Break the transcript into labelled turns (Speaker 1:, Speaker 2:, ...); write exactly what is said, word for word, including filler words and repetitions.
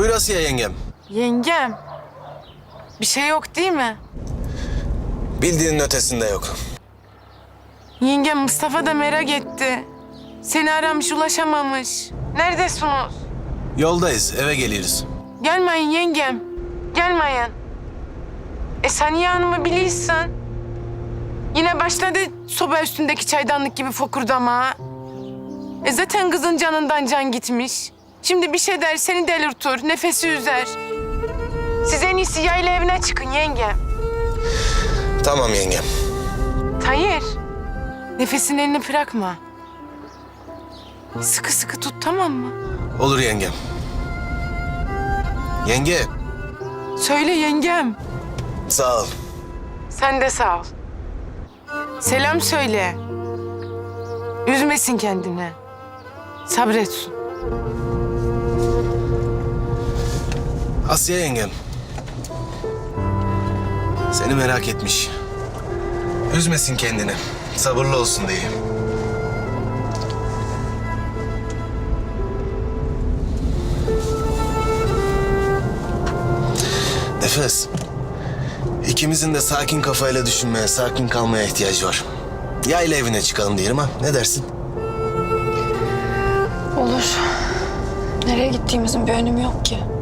Speaker 1: Buyur Asiye yengem.
Speaker 2: Yengem. Bir şey yok değil mi?
Speaker 1: Bildiğinin ötesinde yok.
Speaker 2: Yengem Mustafa da merak etti. Seni aramış ulaşamamış. Neredesiniz?
Speaker 1: Yoldayız, eve geliyoruz.
Speaker 2: Gelmeyin yengem. Gelmeyin. E Saniye Hanım'ı biliyorsun. Yine başladı soba üstündeki çaydanlık gibi fokurdama. E zaten kızın canından can gitmiş. Şimdi bir şey der seni delirtir, nefesi üzer. Siz en iyisi yayla evine çıkın yengem.
Speaker 1: Tamam yengem.
Speaker 2: Hayır. Nefesin elini bırakma. Sıkı sıkı tut tamam mı?
Speaker 1: Olur yengem. Yenge,
Speaker 2: Söyle yengem.
Speaker 1: sağ ol.
Speaker 2: Sen de sağ ol. Selam söyle. Üzmesin kendini. Sabretsin.
Speaker 1: Asiye yengem. Seni merak etmiş. Üzmesin kendini. Sabırlı olsun diye. Nefes. İkimizin de sakin kafayla düşünmeye, sakin kalmaya ihtiyacı var. Yayla evine çıkalım diyelim ha. Ne dersin?
Speaker 3: Olur. Nereye gittiğimizin bir önemi yok ki.